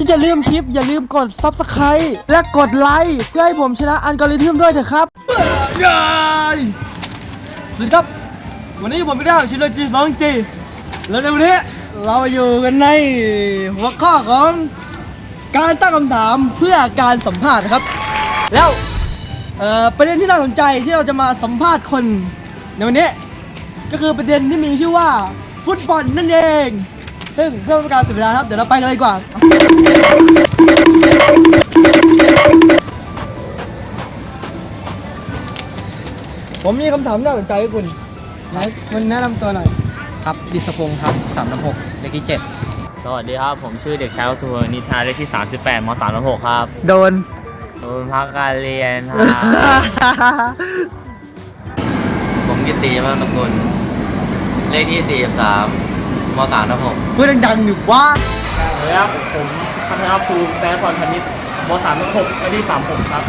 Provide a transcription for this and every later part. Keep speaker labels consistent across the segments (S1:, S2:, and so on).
S1: อย่าลืมคลิปอย่าลืมกด Subscribe และกดไลค์เพื่อให้ผมชนะอัลกอริทึมด้วยเถอะครับสวัสดีครับวันนี้ผมไม่ได้ชิโนจิ 2G แล้วในวันนี้เราอยู่กันในหัวข้อของการตั้งคำถามเพื่อการสัมภาษณ์ครับแล้วประเด็นที่น่าสนใจที่เราจะมาสัมภาษณ์คนในวันนี้ก็คือประเด็นที่มีชื่อว่าฟุตบอลนั่นเองซึ่งเพื่อเป็นการเสียเวลาครับเดี๋ยวเราไปกันเลยดีกว่าผมมีคำถามน่าสนใจให้คุณแนะนำตัวหน่อย
S2: ครับดิศพงศ์ครับ366เลขที่7
S3: สวัสดีครับผมชื่อเด็กชายวัตุพลนิธาเลขที่38ม336ครับ
S1: โดน
S3: พักการเรียนครับ
S2: ผมกิตติมาตะกุลเลขที่43ม336
S1: พูดดังๆอยู่ว่า
S3: สวัสดีครับผมพัฒนาภูมิแต้พรพนิชม336เลขที่36ครับ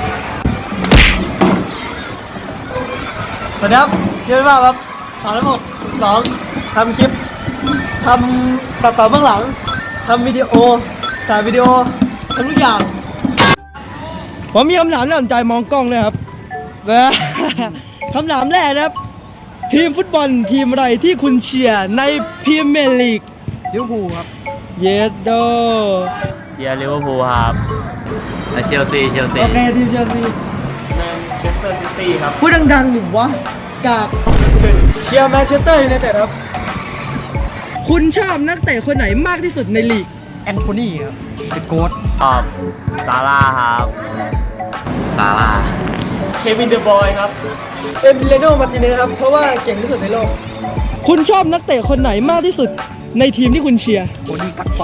S1: สวัสดีครับชื่อว่าครับ362ทำคลิปทำตัดต่อเบื้องหลังทำวิดีโอถ่ายวิดีโอทำทุกอย่างผมมีคำถามน่าสนใจมองกล้องเลยครับคำถามแรกนะครับทีมฟุตบอลทีมอะไรที่คุณเชียร์ในพรีเมียร์ลีก
S2: ลิเวอร์พูลครับ
S1: เยสโด
S3: เชียร์ลิเวอร์พูลครับ
S2: และเชลซี
S1: โอเคทีมเชลซี
S3: แมนเชสเตอร์ซิตี้ครับ
S1: พูดดังๆหนิวะกากเชียร์แมนเชสเตอร์ยูไนเต็ดครับคุณชอบนักเตะคนไหนมากที่สุดในลีก
S2: แอนโทนีครับเป็นโค้ช
S3: ชอบซาร่าครับ
S2: ซาร่า
S3: เควินเดอบอยครับ
S1: เอมิเลโนมาร์ติเนสครับเพราะว่าเก่งที่สุดในโลกคุณชอบนักเตะคนไหนมากที่สุดในทีมที่คุณเชียร์
S2: โคนี่กักโต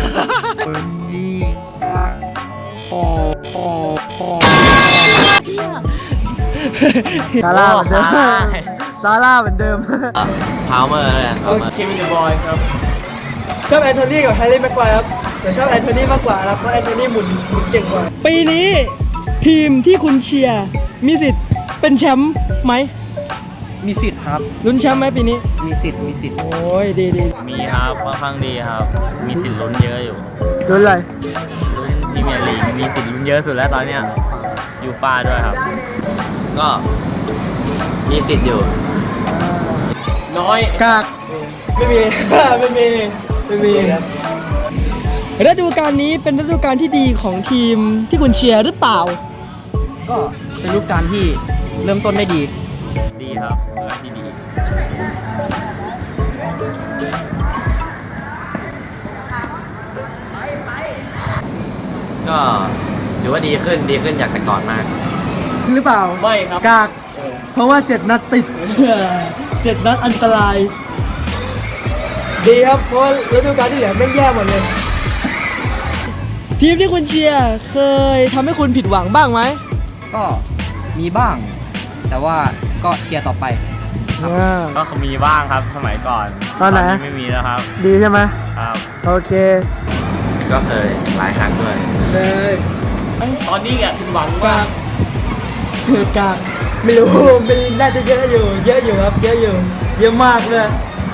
S1: ซาร่าเหมือนเดิมซาร่าเหมือนเดิม
S2: พาวเมอร์เลย
S3: เควินเดอบอยครับ
S1: ชอบแอนโทนีกับแฮร์รี่แม็กไกวร์ครับแต่ชอบแอนโทนีมากกว่าครับเพราะแอนโทนีหมุนเก่งกว่าปีนี้ทีมที่คุณเชียร์มีสิทธิ์เป็นแชมป์ไหม
S2: มีสิทธิ์ครับ
S1: ลุ้นแชมป์ไหมปีนี้
S2: มีสิทธิ์
S1: โอ้ยดี
S3: มีครับค่อนข้างดีครับมีสิทธิ์ลุ้นเยอะอยู่
S1: ลุ้นอะไร
S3: ลุ้นพรีเมียร์ลีกมีสิทธิ์ลุ้นเยอะสุดแล้วตอนเนี้ยยูฟ่าด้วยครับ
S2: ก็มีสิทธิ์อยู่
S3: น้อย
S1: กากไม่มีฤดูกาลนี้เป็นฤดูกาลที่ดีของทีมที่คุณเชียร์หรือเปล่า
S2: ก็เป็นฤดูกาลที่เริ่มต้นได้ดี
S3: ครับฤดูกาลที่ดี
S2: ก็ถือว่าดีขึ้นจากแต่ก่อนมาก
S1: หรือเปล่า
S3: ไม่ครับ
S1: กากเพราะว่า7 นัดติด 7 นัดอันตรายดีครับเพราะฤดูกาลที่เหลือแม่งแย่หมดเลยทีมที่คุณเชียร์เคยทำให้คุณผิดหวังบ้างไหม
S2: ก็มีบ้างแต่ว่าก็เชียร์ต่อไป
S3: ก็มีบ้างครับสมัยก่อน
S1: ตอนไหน
S3: ไม่มีแล้วครับ
S1: ดีใช่ไหม
S3: ครับ
S1: โอเค
S2: ก็เคยหลายครั้งด้วย
S1: เลย
S3: ตอนนี้ผิดหวังมาก
S1: ไม่รู้มันน่าจะเยอะอยู่ครับเยอะมากเลย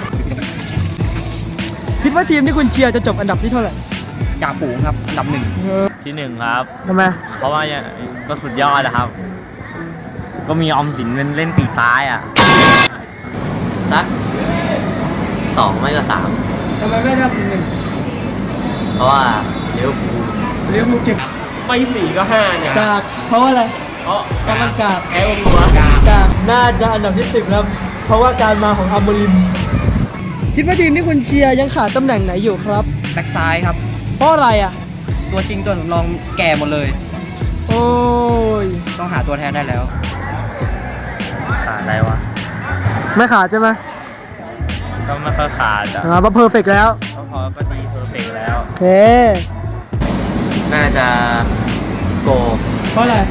S1: คิดว่าทีมที่คุณเชียร์จะจบอันดับที่เท่าไหร่
S2: จ่าฝูงครับอันดับ1
S3: ที่1ครับ
S1: ทำไม
S3: เพราะว่าก็สุดยอดนะครับก็มีออมสินเล่นปีกซ้าย
S2: สัก2ไม่ก็3
S1: ทำไมไม่ได้
S2: 1เพราะว่าลิเวอร์พูล
S1: เก่ง
S3: ไม่4ก็5เนี่ย
S1: กากเพราะว่าอะไร
S3: เพราะ
S1: มันกาก
S3: แพ้ตัว
S1: กากน่าจะอันดับที่10แล้วเพราะว่าการมาของอัมโมริมคิดว่าทีมที่คุณเชียร์ยังขาดตำแหน่งไหนอยู่ครับ
S2: แบ็คซ้ายครับ
S1: เพราะอะไร
S2: ตัวจริงตัวสำรองแก่หมดเลย
S1: โอ้ย
S2: ต้องหาตัวแทนได้แล้ว
S3: ขาดอะไรวะ
S1: ไม่ขาดใช่ไหม
S3: ก็ไม่ค่อยขาด
S1: เพราะเพอร์เฟกต์แล้ว
S3: ก็ดีเพอร์เฟกต์แล้ว
S1: โอเค
S2: น่าจะโก
S1: เพราะอะไร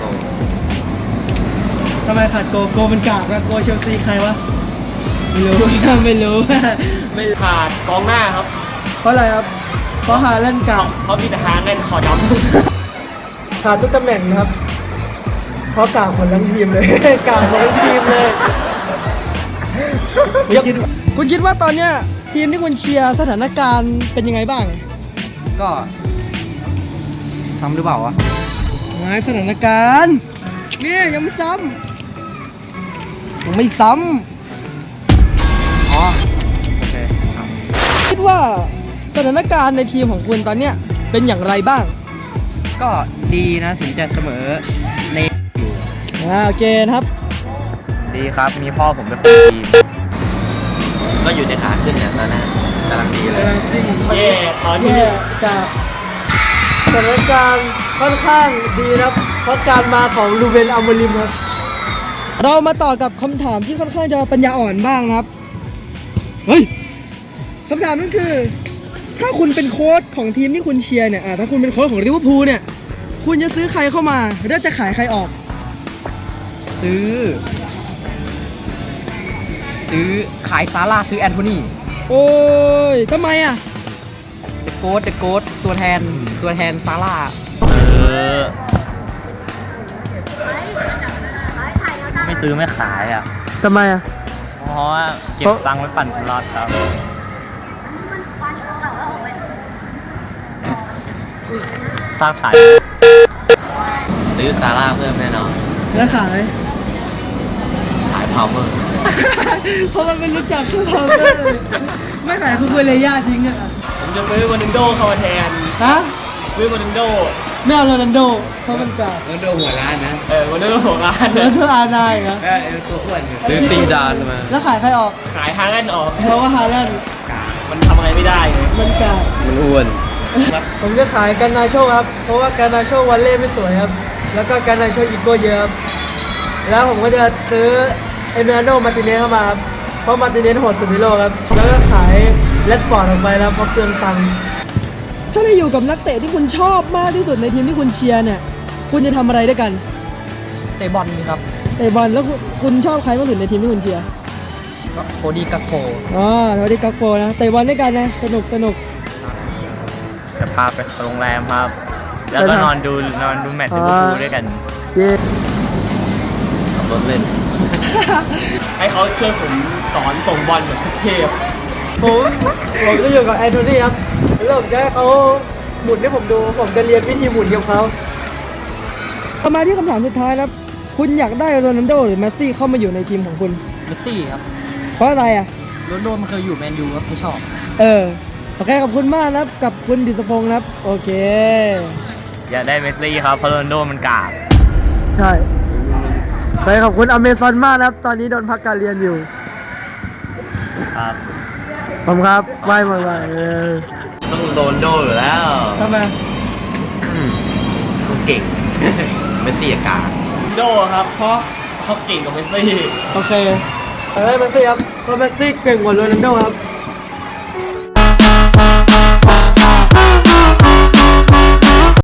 S1: ทำไมขาดโกมันกากโกเชลซีใครวะไม่รู้ไม่
S3: ขาดกองหน้าครับ
S1: เพราะอะไรครับเพราะหาเล่นกาก
S3: เพราะมีแต่หาเล่นคอด
S1: ำขาดทุกตำแหน่งนะครับเพราะกากหมดทั้งทีมเลยกากหมดทั้งทีมเลยคุณคิดว่าตอนเนี้ยทีมที่คุณเชียร์สถานการณ์เป็นยังไงบ้าง
S2: ก็
S4: ซ้ำหรือเปล่าวะ
S1: ไงสถานการณ์เนี่ยยังไม่ซ้ำยังไม่ซ้
S4: อ๋อ โอเคครับ
S1: ำคิดว่าสถานการณ์ในทีมของคุณตอนเนี้ยเป็นอย่างไรบ้าง
S4: ก็ดีนะถึงจะเสมอในอยู่
S1: โอเคนะครับ
S3: ดีครับ มีพ่อผมเป็นคนทีม
S2: ก็อยู่ในขาขึ้นเนี่ยตอนนั้นกำลังดีเลย
S3: เย่ตอนนี้
S1: แย่กับสถานการณ์ค่อนข้างดีนะครับ เพราะการมาของลูเบนอัมโมริมครับ เรามาต่อกับคำถามที่ค่อนข้างจะปัญญาอ่อนบ้างนะครับ เฮ้ยคำถามนั้นคือ ถ้าคุณเป็นโค้ชของทีมที่คุณเชียร์เนี่ยถ้าคุณเป็นโค้ชของลิเวอร์พูลเนี่ย คุณจะซื้อใครเข้ามาแล้วจะขายใครออก
S4: ซื้อขายซาร่าซื้อแอนโทนี
S1: โอ้ยทำไมอ่ะ
S4: เดอะโกสตัวแทนซาร่า
S3: ไม่ซื้อไม่ขายอ่ะ
S1: ทำไมอ่ะ
S3: เพราะว่าเก็บตังค์ไว้ปั่นสล็อตครับถ้าขาย
S2: ซื้อซาร่าเพิ่มแน่นอน
S1: แล้วขาย
S2: ขายพาวเมอร์
S1: เพราะมันเป็นรู้จักชื่อเขาเลยไม่ขายคือคุยเลยญาติทิ้งอ่ะ
S3: ผมจะซื้อวานินโดเข้ามาแทน
S1: ฮะ
S3: ซื้อวานินโด
S1: ไม่เอาโรนัลโดเพราะมันเก่า
S2: เออโดหัวร้านนะ
S3: วานินโดของร้าน
S1: แล้วเธออาร์ไนน์เหรอ
S2: ตัวอ้วนซื้อซีดานมา
S1: แล้วขายใครออก
S3: ขายฮาร์แลนด์ออก
S1: เพราะว่าฮาแลนด์
S3: มันทำอะไรไม่ได้ไง
S1: มันเก่า
S2: มันอ้วน
S1: ผมจะขายการนาโชครับ เพราะว่าการนาโชวันเล่ไม่สวยครับ แล้วก็การนาโชอีโก้เยอะครับ แล้วผมก็จะซื้อเอเมราโนมาร์ติเนสเข้ามาครับ เพราะมาร์ติเนสโหดสุดในโลกครับ แล้วก็ขายแรดฟอร์ดออกไปแล้วเพราะเปลืองตังค์ ถ้าได้อยู่กับนักเตะที่คุณชอบมากที่สุดในทีมที่คุณเชียร์เนี่ย คุณจะทำอะไรด้วยกัน
S4: เตะบอลนี่ครับ
S1: เตะบอลแล้วคุณชอบใครมากสุดในทีมที่คุณเชียร์
S4: ก็โคดี้กักโป
S1: อ๋อเท่าที่กักโปนะเตะบอลด้วยกันนะ สนุกสนุก
S3: จะพาไปโรงแรมครับ แล้วก็นอนดูแมตช์ลิเวอร์พูลด้วยกัน
S1: เย้
S2: ขับรถเล่น
S3: ให้เขาช่วยผมสอนส่งบอลแบบเทพ
S1: ผมจะอยู่กับแอนโทนีครับแล้วผมจะให้เขาหมุนให้ผมดู ผมจะเรียนวิธีหมุนกับเขาต่อมาที่คำถามสุดท้ายนะครับ คุณอยากได้โรนัลโดหรือเมสซี่เข้ามาอยู่ในทีมของคุณ
S4: เมสซี่ครับ เพ
S1: เพราะอะไรอ่ะ
S4: โรนลโดมันเคยอยู่แมนยูครับไม่ชอบ
S1: โอเคขอบคุณมากนะครับกับคุณดิษพงศ์นะครับ โอเค
S3: อยากได้เมสซี่ครับเพราะโรนลโดมันกาก
S1: ใช่ใช่ขอบคุณอเมซอนมากนะครับ ตอนนี้โดนพักการเรียนอยู่
S3: ครับ
S1: ผมครับไหว้มา
S2: ต้องโรนลโดอยู่แล้ว
S1: ทำไม
S2: เขาเก่ง ไม่เสียกา
S3: โดครับเพราะเขาเก่งกว่าเมสซี่
S1: โอเคแต่ได้เมสซี่ครับเพราะเมสซี่เก่งกว่าโรนัลโดครับ